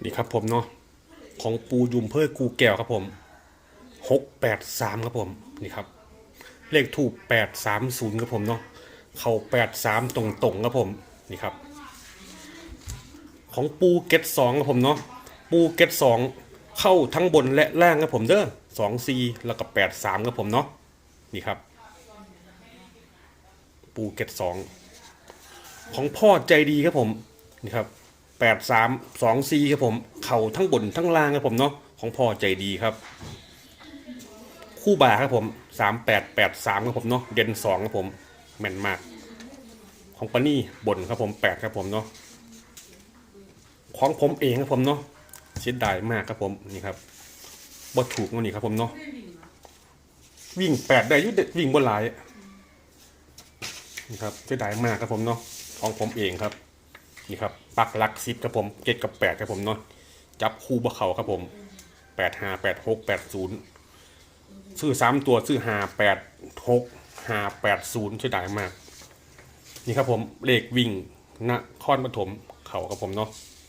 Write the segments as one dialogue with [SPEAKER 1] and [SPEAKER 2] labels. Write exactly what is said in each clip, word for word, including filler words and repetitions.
[SPEAKER 1] นี่ครับผมเนาะของปูยุมเพื่อกูแก้วครับผมหกแปดสามครับผมนี่ครับเลขถูกแปดสามศูนย์ครับผมเนาะเข้าแปดสามตรงตรงครับผมนี่ครับของปูเก็ตสองครับผมเนาะปูเก็ตสองเข้าทั้งบนและล่างครับผมเด้อสองซีแล้วก็แปดสามครับผมเนาะนี่ครับปูเก็ตสองของพ่อใจดีครับผมนี่ครับแปดสามสองซีครับผมเข่าทั้งบนทั้งล่างครับผมเนาะของพ่อใจดีครับคู่บ่าครับผมสามแปดแปดสามครับผมเนาะเด่นสองครับผมแม่นมากของปานี่บนครับผมแปดครับผมเนาะของผมเองครับผมเนาะเสียดายมากครับผมนี่ครับบ่ถูกนี่ครับผมเนาะวิ่งแปดได้ยุดวิ่งบนหลายนี่ครับเสียดายมากครับผมเนาะของผมเองครับนี่ครับปักหลักสิบครับผมเจ็ดกับแปดครับผมเนาะจับคู่บะเข่าครับผมแปดห้าแปดหกแปดศูนย์ซื้อสามตัวซื้อห้าแปดหกห้าแปดศูนย์เสียดายมากนี่ครับผมเลขวิ่งนครปฐมเข่าครับผมเนาะ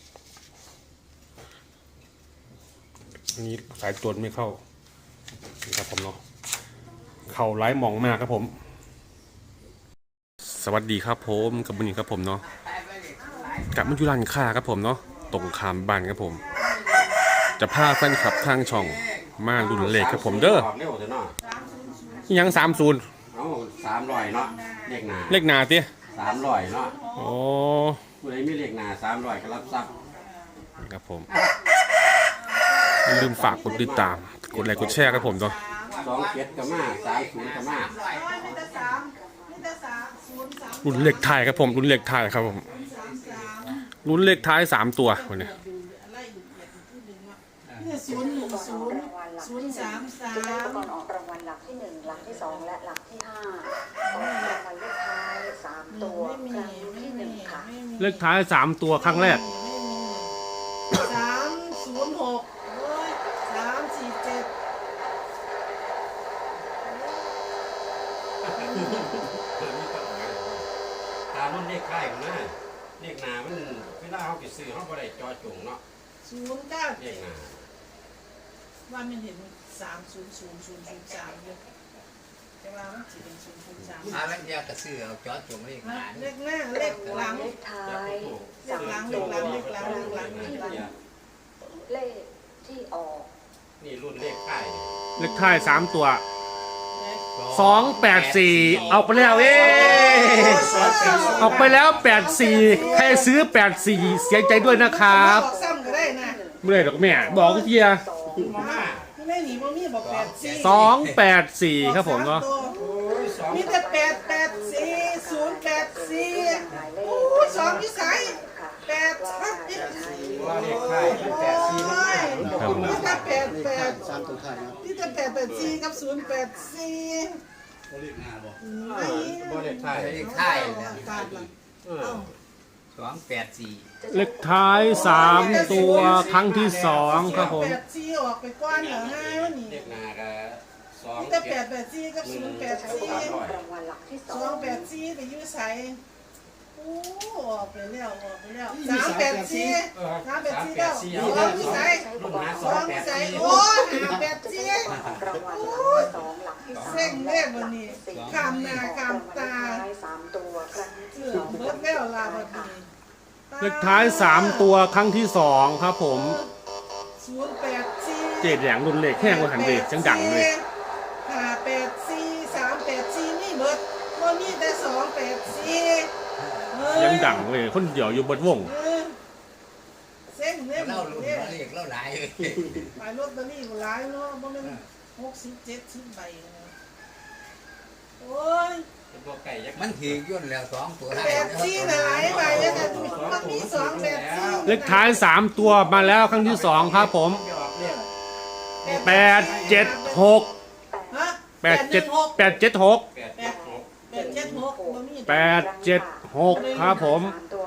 [SPEAKER 1] อันนี้สายตัวไม่เข้านี่ครับผมเนาะเข่าไร้มองมากครับผมสวัสดีครับผมกับบุญครับผมเนาะกับมันยุรันค่าครับผมเนาะตรงขามบ้านครับผมจะพาแฟนคลับทางช่องมารุ่นเลขครับผมเด้อยังสามศูนย์
[SPEAKER 2] สามร้อยเนาะเลขหนา
[SPEAKER 1] เลขหนาสิ
[SPEAKER 2] สามร้อยเนาะ
[SPEAKER 1] โอ้
[SPEAKER 2] ผู้ใดมีเลขหนาสามร้อยก็รับทรัพย์
[SPEAKER 1] ครับผมอย่าลืมฝากกดติดตามกดไลค์กดแชร์ครับผมเนาะ
[SPEAKER 2] สองเจ็ดกับมาสามศูนย์กับมา
[SPEAKER 1] รุ่นเลขท้ายครับผมรุ่นเลขท้ายครับผมรุ่นเลขท้ายสามตัววันนี้
[SPEAKER 3] ศูนย์หนึ่งศูนย์ศูนย์สามสาม
[SPEAKER 4] ก่อนออกรางวัลหลักที่หนึ่งหลักที่สองและหลักที่ห้าออกรางวัลเลขท้ายสามตัวครั้งที่หนึ่งค่ะ
[SPEAKER 1] เลขท้ายสามตัวครั้งแรก
[SPEAKER 3] สามศูนย์หกสามสี่เจ็ด
[SPEAKER 2] ตามรุ่นเลขค่ายของน้าเลขหนามันเวลาเขาไปซื้อเขาบ่ได้จอจงเนาะ
[SPEAKER 3] ศูนย์เก้า
[SPEAKER 2] เลขหนา
[SPEAKER 3] ว่ามันเห็นสามศูนย์ศูนย์ศูนย์ศูนย์สามเลยแต่ว่ามันจะเป็นศูนย์ศูนย์สาม
[SPEAKER 5] อาลังยากระซื้อเอาจอดจงเลขหนา
[SPEAKER 3] เลขหน้าเลขหลัง
[SPEAKER 4] เลขท้าย
[SPEAKER 3] เลขหลังเลขหลังเลขหลังเลขหลังเลขหลัง
[SPEAKER 4] เลขที่ออก
[SPEAKER 2] นี่รุ่นเลขค่าย
[SPEAKER 1] เลขท้ายสามตัวสองแปดสี่เอาไปแล้วเอ๊เอาไปแล้วแปดสี่ใครซื้อแปดสี่เสียใจด้วยนะครับเมื่อไรดอกแม่บอกเพียสองแปดสี่ครับผมเนาะ
[SPEAKER 3] มีแต่แปดแปดสี่ศูนย์แปดสี่โอ้สองที่ใส่แปดชัดดิ
[SPEAKER 2] เลขค่ายแปดสี่
[SPEAKER 3] มีแต่แปดแปดมีแต่แปดแปดสี่กับศูนย์แปดสี่
[SPEAKER 2] เลขหน้าบ่บ่เลขค่าย
[SPEAKER 5] เลขท้ายสองแปดสี่
[SPEAKER 1] เลขท้ายสามตัวครั้งที่สองครับผม
[SPEAKER 3] แปดสี่ออกไปก้อนเหรอฮะนี่
[SPEAKER 2] เลขหน้าก็สอง
[SPEAKER 3] มีแต่แปดแปดสี่กับศูนย์แปดสี่
[SPEAKER 4] รางวัลหลักที่ส
[SPEAKER 3] องสองแปดสี่ไปยื้อใส่โอ้ออกไปแล้วออกไปแล้วสามแปดสี่สามแปดสี่แล้วสองที่ใส่สองที่ใส่โอ้ห้าแปดสี่โอ้เส้นเล่วันนี้คำหน้าคำตา
[SPEAKER 4] สามตัวครั้งที่
[SPEAKER 3] สองเบิดแล้วลาบัดนี้
[SPEAKER 1] เลขท้ายสามตัวครั้งที่สองครับผม
[SPEAKER 3] ศูนย์แปดสี่
[SPEAKER 1] เจ็ดแหลงรุ่นเลขแห้งกว่าหันเด็กจังดังเลย
[SPEAKER 3] ห้าแปดสี่สามแปดสี่นี่เบิดก็มีแต่สองแปดสี่
[SPEAKER 1] ยังดังเลยคนเดียวอยู่บนวง
[SPEAKER 3] เส้นเนี่ย
[SPEAKER 5] เล่าลุ่นเลขเล่าหลายเลย
[SPEAKER 3] ไปรถตะลี่ก็หลายเนาะเพราะมันหกสิบเจ็ดสิบใบโอ้ย
[SPEAKER 5] มันถือย่นแล้วสองตัว
[SPEAKER 3] แปดสี่หลายใบแล้วแต่มันมีสองแปดสี่
[SPEAKER 1] เลขท้ายสามตัวมาแล้วครั้งที่สองครับผมแปดเจ็ดหกแปดเจ็ดแปดเจ็ดหก
[SPEAKER 3] แปดเจ็ดหก
[SPEAKER 1] แปดเจ็ดหกครับผม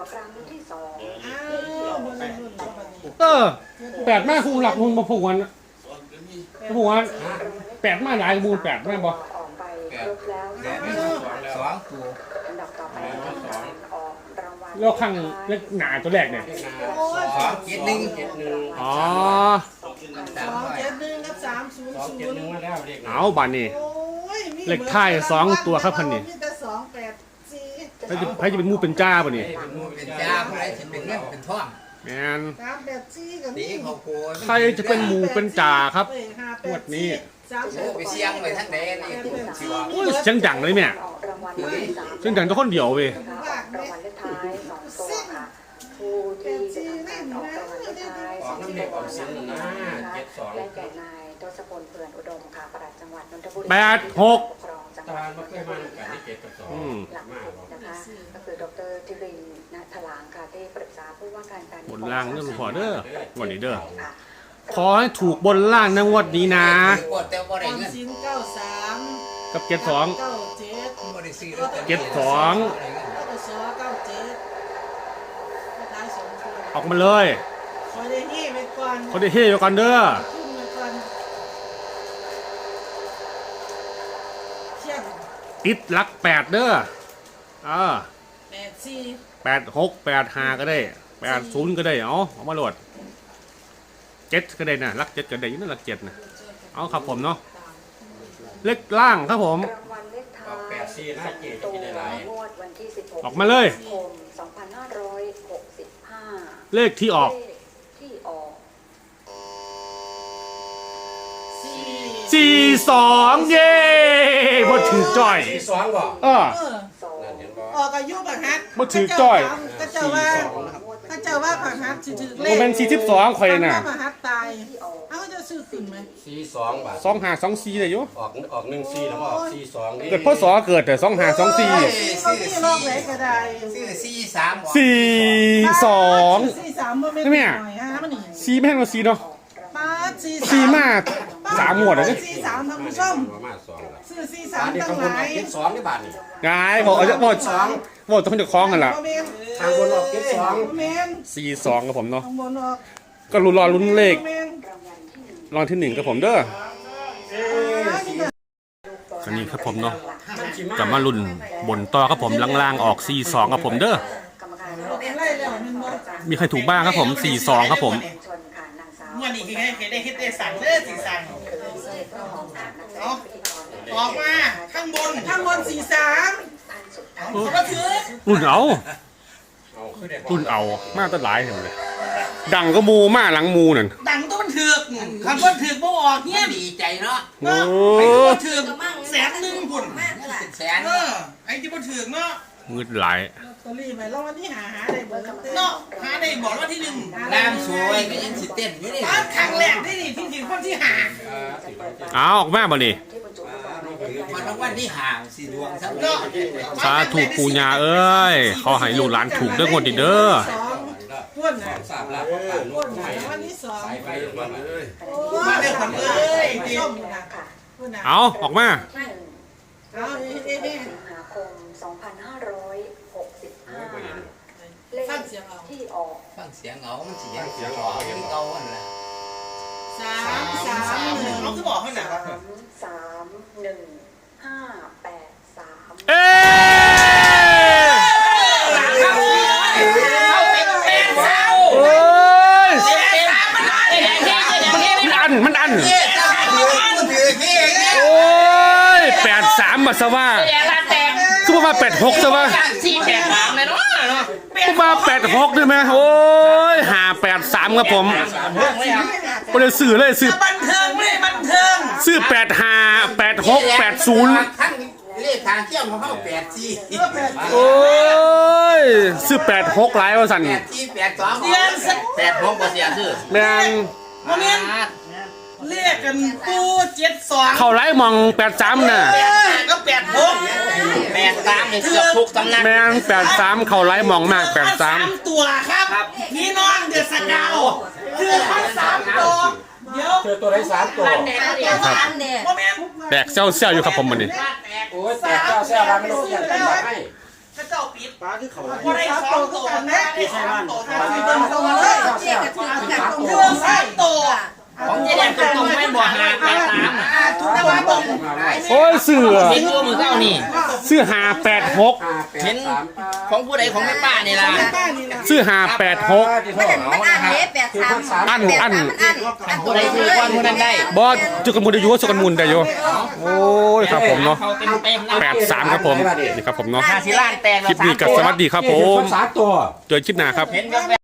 [SPEAKER 1] เออแปดแม่คูหลักมูลมาผูกวันผูกวันแปดมาหลายมูลแปดแม่บอก
[SPEAKER 5] สองตัว
[SPEAKER 1] แล้วข้างเลขหนาตัวแรกเนี่ย
[SPEAKER 2] เลขหน้าสองเจ็ดหนึ่งเจ็ดหนึ่ง
[SPEAKER 1] อ๋อ
[SPEAKER 3] สองเจ็ดหนึ่งกับสามศูนย์
[SPEAKER 2] สอง
[SPEAKER 3] ศู
[SPEAKER 2] เจ็ด
[SPEAKER 3] นย์
[SPEAKER 2] หนึ่งมาแล้วเลขหน้า
[SPEAKER 1] เอาบานนี่
[SPEAKER 3] โอ้ยมี
[SPEAKER 1] เลขท้ายสองตัวครับพันนี่
[SPEAKER 3] มีแต่สองแปดสี่
[SPEAKER 1] ใครจะใครจะเป็นหมูเป็นจ้าป่ะนี่
[SPEAKER 2] เป็นมู
[SPEAKER 5] เป็
[SPEAKER 2] เป็น น
[SPEAKER 5] จ้า
[SPEAKER 2] จ้า
[SPEAKER 5] ผู้ใดจะเป็นเงินเป็นทอง
[SPEAKER 1] แมน
[SPEAKER 3] สามแปดสี่กับ
[SPEAKER 5] ตีเขาโกย
[SPEAKER 1] ใครจะเป็นหมูเป็นจ่าครับ
[SPEAKER 3] เอ้ยห้าแปด
[SPEAKER 1] งวดนี้
[SPEAKER 3] สามแป
[SPEAKER 5] โอ้
[SPEAKER 3] ด
[SPEAKER 5] ไปเสี่ยงไปทั้งใดนี่สิว่า
[SPEAKER 1] โอ้ยเสียงดังเลยแม่
[SPEAKER 4] ออกรางวัลเลขสาม
[SPEAKER 1] เสียงดังตัวคนเดียวเว้ย
[SPEAKER 4] ออกรางวัลเลขท้ายสองตัวค่ะผู้ที่จะทำการออกรางวัลเลขท้าย
[SPEAKER 2] อ
[SPEAKER 4] ส
[SPEAKER 2] อ
[SPEAKER 4] อก ง
[SPEAKER 2] น้ำ
[SPEAKER 4] ตั
[SPEAKER 2] เด็ก
[SPEAKER 4] ว
[SPEAKER 2] ออกสินนะเจ็ดสอง
[SPEAKER 4] ได้แก่นายทศพลเผื่อนอุดมค่ะปลัดจังหวัดนนทบุรี
[SPEAKER 1] แปดหก
[SPEAKER 4] ปรองจังห
[SPEAKER 2] ตา
[SPEAKER 4] วัด
[SPEAKER 2] ลมาเคยมากันที่เจ็ดกับสอง
[SPEAKER 1] อืม
[SPEAKER 4] หลัก
[SPEAKER 2] มา
[SPEAKER 4] สิบนะคะก็คือดรทิรินทร์ณถลางค่ะที่ปรึกษาผู้ว่าการการ
[SPEAKER 1] บนล่างเรื่องพอเด้อวันนี้เด้อ
[SPEAKER 4] ค่ะ
[SPEAKER 1] ขอให้ถูกบนล่างในงวดนี้นะ
[SPEAKER 5] กดแต่บ่
[SPEAKER 3] อ
[SPEAKER 5] ได้
[SPEAKER 3] อม
[SPEAKER 5] เงิน
[SPEAKER 3] สินเก้าสาม
[SPEAKER 1] กับเจ็ดสอง
[SPEAKER 3] เก้าเจ็ด
[SPEAKER 5] บ่ได้ซื้อลอตตอรี่
[SPEAKER 1] เจ็ดสอง
[SPEAKER 3] แล้วก็สอเก้าเจ็ดท้ายสองตัว
[SPEAKER 1] ออกมาเลย
[SPEAKER 3] คอยได้ยี่ไปก่อน
[SPEAKER 1] เขาได้เฮ้ยกันเด้อ
[SPEAKER 3] ขึ้นไปก่อนเชี่ยง
[SPEAKER 1] ติดหลักแปดเด้ออ่า
[SPEAKER 3] แปดสี่
[SPEAKER 1] แปดหกแปดห้าก็ได้แปดศูนย์ก็ได้เอาเอามาโหลดเจ็ดก็ได้นะหลักเจ็ดก็ได้อยี่นั่นหลักเจ็ดนะเอาครับผมเนาะเลขล่างครับผม
[SPEAKER 4] รางวัลเลขท้า
[SPEAKER 2] ออกแป
[SPEAKER 4] ย
[SPEAKER 2] ดสี่นะเจ็ด
[SPEAKER 4] ตัว
[SPEAKER 2] กินได้หลาย
[SPEAKER 4] งวดวันที่สิบหก
[SPEAKER 1] ออกมาเลย
[SPEAKER 4] คมสองพันห้าร้อยหกสิบห้า
[SPEAKER 1] เลขที่ออก
[SPEAKER 4] เลขที่ออก
[SPEAKER 3] สี่
[SPEAKER 1] สี่สองเย้บดถือจ่อย
[SPEAKER 2] สี่สองบ่
[SPEAKER 1] เออ
[SPEAKER 3] เออ
[SPEAKER 4] สอง
[SPEAKER 2] นั่นเห็นบ่
[SPEAKER 3] ออกอายุบังฮัด
[SPEAKER 1] บ่ถือจ้อย
[SPEAKER 3] ก็เจ้าว่าก็เจ้าว่าบังฮัดสิถือเล
[SPEAKER 1] โม
[SPEAKER 3] ข
[SPEAKER 1] เมนสี่สิบสองข่อยน่ะ
[SPEAKER 3] บังฮัดตาย
[SPEAKER 4] ที่ออก
[SPEAKER 3] เอ้าจะซื้อขึ้นไหม
[SPEAKER 2] สี่สองบาท
[SPEAKER 1] สองห้าสองสี่เลยอยู่
[SPEAKER 2] ออกออกหนึ่งสี่แล้วมาออกสี่สองนี่
[SPEAKER 1] เกิดพ่อสอเกิดแต่สองห้าสองสี่
[SPEAKER 3] เขาที่ลอกไหนก็ได้
[SPEAKER 5] ซื้อสี่สามบ่
[SPEAKER 1] สี่สอง
[SPEAKER 3] สี่สามบ่ไม่
[SPEAKER 1] นี่แม่
[SPEAKER 3] หน่อยฮะมันนี่
[SPEAKER 1] สี่แม่งมาสี่เนาะ
[SPEAKER 3] ป้าดสี่
[SPEAKER 1] สี่มาสามหมวดเลย
[SPEAKER 3] สี่สามท่านผู้ชม
[SPEAKER 2] ประมาณสองละ
[SPEAKER 3] ซื้อสี่
[SPEAKER 2] บา
[SPEAKER 3] สาม
[SPEAKER 2] ทเดียว
[SPEAKER 3] ตั้
[SPEAKER 2] ข้าง งบนอ
[SPEAKER 3] หลา
[SPEAKER 2] อก
[SPEAKER 3] ย
[SPEAKER 2] เจ็ดสองนี่บาทนี่
[SPEAKER 1] งายบอกเอาจะบอกบอกต้องจะคล้องกันล่ะ
[SPEAKER 3] บ่แม่น
[SPEAKER 2] ทางบนออกเจ็ดสอง
[SPEAKER 3] บ่แม่น
[SPEAKER 1] สี่สองกับผมเนาะ
[SPEAKER 3] ข้างบนออก
[SPEAKER 1] ก็รุนรอลุ้นเลข
[SPEAKER 3] บ่แม่น
[SPEAKER 4] รางวัลที่หนึ่ง
[SPEAKER 1] รองที่หนึ่งกับผมเด้อ
[SPEAKER 3] อ่านี่น่ะ
[SPEAKER 1] อันนี้ครับผมเนาะจะมาลุ้นบนต่อครับผมล่างๆออกสี่สองกับผมเด้อ
[SPEAKER 4] กรรมการ
[SPEAKER 3] เอาเป็นไรแล้วแม่นบ่
[SPEAKER 1] มีใครถูกบ้างครับผมสี่สองครับผม
[SPEAKER 4] ชนค่ะนางสาว
[SPEAKER 6] งวดนี้คือไงเห็นได้เฮ็ดได้สั่งเด้อสิสั่ง
[SPEAKER 4] เอา
[SPEAKER 6] ออกมาข้างบน
[SPEAKER 3] ข้างบนสี่สาม
[SPEAKER 4] ท่านสุดท้าย
[SPEAKER 6] เขาก็ถือ
[SPEAKER 1] รุ่นเอา
[SPEAKER 2] เอาขึ้นได้
[SPEAKER 1] รุ่นเอามาตั้งหลายเห็นเลยดังก็มูมาหลังมูนั่น
[SPEAKER 6] ดังตัวมันถือกคันบ่ถือกบ่ออกเงี้ย
[SPEAKER 5] ดีใจเนาะ
[SPEAKER 1] โอ้
[SPEAKER 6] ไอ้ที่บ่ถือกแสนหนึงพุ่น
[SPEAKER 5] เป็นแสน
[SPEAKER 6] เออไอ้ที่บ่ถือกเนาะ
[SPEAKER 1] งืดหลาย
[SPEAKER 3] ลอตเตอรี่ไปแล้ววันนี้หาหาได้เบิดเต้
[SPEAKER 6] เนาะหาได้บอกว่าที่หนึ่ง
[SPEAKER 5] น้ำสวยก็ยังสิเต้นอยู่นี่
[SPEAKER 6] ตอนครั้งแรกที่นี่ที่ถึงคนที่หา
[SPEAKER 1] เอาออกมาบ่นี่
[SPEAKER 4] ที่บรรจุลูกบอลหมายเลข
[SPEAKER 5] มันรางวัลที่ห่างสิดวงทั้ง
[SPEAKER 6] เนาะ
[SPEAKER 1] สาถูกปูญาเอ้ยขอให้ลูกหลานถูกเด้องวดนี้เด้อ
[SPEAKER 3] สองพ่วนน่ะ
[SPEAKER 2] สามล้านก็ผ่าน
[SPEAKER 3] พ่
[SPEAKER 2] ลู
[SPEAKER 3] ว
[SPEAKER 2] ก
[SPEAKER 3] น
[SPEAKER 2] ใหม่
[SPEAKER 3] น่ะวันที่สอง
[SPEAKER 2] สายไฟมาเลย
[SPEAKER 3] โอ้
[SPEAKER 6] มาเด้อคนเอ้ย
[SPEAKER 3] ผู้
[SPEAKER 6] เดี๋
[SPEAKER 3] ช
[SPEAKER 6] ยว
[SPEAKER 3] มน่ะ
[SPEAKER 4] ค่ะ
[SPEAKER 3] พ่วนน่ะ
[SPEAKER 1] เอาออกมา
[SPEAKER 4] ที่หนึ่ง
[SPEAKER 3] เอาเอ๊ะเอ๊ะเอ๊ะ
[SPEAKER 4] สิงหาคมสองพันห้าร้อยหกสิบห้าเลข
[SPEAKER 3] ฟังเสียงเอา
[SPEAKER 4] ที่ออก
[SPEAKER 5] ฟังเสียงเอามันสิยังเสียงออกคือเก่าหั่นล่ะ
[SPEAKER 3] สามสามหนึ่ง
[SPEAKER 6] เขาคือบอกเขาหนัก
[SPEAKER 4] สามสามหนึ่งห้าแปดสาม
[SPEAKER 1] เอ้โอ้ยมันอันมันอัน
[SPEAKER 5] มันถือพี่เนี่ย
[SPEAKER 1] โอ้ยแปดสามมาซะว่าคือว่าแปดหกซะว่า
[SPEAKER 6] สี่แปดสามเลยเนาะเนาะ
[SPEAKER 1] คือว่าแปดหกได้ไหมโอ้ยหาแปดสามครับผม
[SPEAKER 6] เรื่องเลยครับ
[SPEAKER 1] ไม่ได้ซื้อเลยซื้อ
[SPEAKER 6] บันเทิงไม่บันเทิง
[SPEAKER 1] ซื้อแปดห้าแปดหกแปดศูนย์
[SPEAKER 5] ทั้งเลขทางเที่ยวของเขาแปดสี่
[SPEAKER 1] โอ้ยซื้อแปดหกหลายว่าสัน
[SPEAKER 5] แปดสี่แปดสอง
[SPEAKER 6] เสียงสัก
[SPEAKER 5] แปดหกบ่เสียชื่อ
[SPEAKER 1] แมน
[SPEAKER 6] โมเมนต์เรียกกันปูเจ็ดสอง
[SPEAKER 1] เข้าไล่มองแปดสามน่ะ
[SPEAKER 6] แปดห้าก็แปดหกแปดสามเนี่ยเกือบทุกตำแหน่ง
[SPEAKER 1] แมนแปดสามเข้าไล่มองมากแปดสาม
[SPEAKER 6] ตัวครับพี่น้องเดือดสกาวคือทั้งสามตัวเดี๋ยว
[SPEAKER 2] เจอตัวได้สามตัว
[SPEAKER 6] โมเมนต์
[SPEAKER 1] แตกเซี่ยวเซี่ยวอยู่ครับผมมันนี่
[SPEAKER 2] โอ้ยแต่เจ้าแซ่บร้านไม่รู้อย่างไรให้
[SPEAKER 6] พระเจ้าปิด
[SPEAKER 2] ปลาที่เขา
[SPEAKER 6] พอได้สองตัวนะได้สามตัว
[SPEAKER 2] ปลา
[SPEAKER 6] ที่
[SPEAKER 2] ที่
[SPEAKER 6] เดิ
[SPEAKER 2] เดิ
[SPEAKER 6] น
[SPEAKER 2] น
[SPEAKER 6] เข้า
[SPEAKER 2] เข้า
[SPEAKER 6] มา
[SPEAKER 2] มา
[SPEAKER 6] เล
[SPEAKER 2] เลย ย
[SPEAKER 6] เชื่อกันเรื่องสามตัวของเจ๊แดงตรงๆไม่บอกหาแปดสามแต่ว่าตัว
[SPEAKER 1] โอ้ยเสือ
[SPEAKER 6] เห็นตัวมือเก้านี่
[SPEAKER 1] เสื้อหาแปดหก
[SPEAKER 2] ห้าแปด
[SPEAKER 6] เห็น
[SPEAKER 2] สาม
[SPEAKER 6] ของผู้ใดของแม่ป้านี่ล่ะ
[SPEAKER 3] ป้านี่ล่ะ
[SPEAKER 1] เสื้อหาแปดหก
[SPEAKER 4] มันมันอ่านเด้แปดสาม
[SPEAKER 1] อันอัน
[SPEAKER 4] อัน
[SPEAKER 6] ผู้ใดซื้อก้อนผู้นั้นได้
[SPEAKER 1] บอสจุกันมุนได้อยู่ว่าจุกันมุนได้อยู่โอ้ยครับผมเนาะ
[SPEAKER 6] เขาเต็มเต็มๆนะ
[SPEAKER 1] แปดสามครับผมนี่ครับผมเนาะ
[SPEAKER 6] หาสิล้านแตก
[SPEAKER 1] คลิปนี้กับสวัสดีครับผม
[SPEAKER 2] สามตัว
[SPEAKER 1] เจอคลิปหน้าครับ
[SPEAKER 6] เห็นแบบ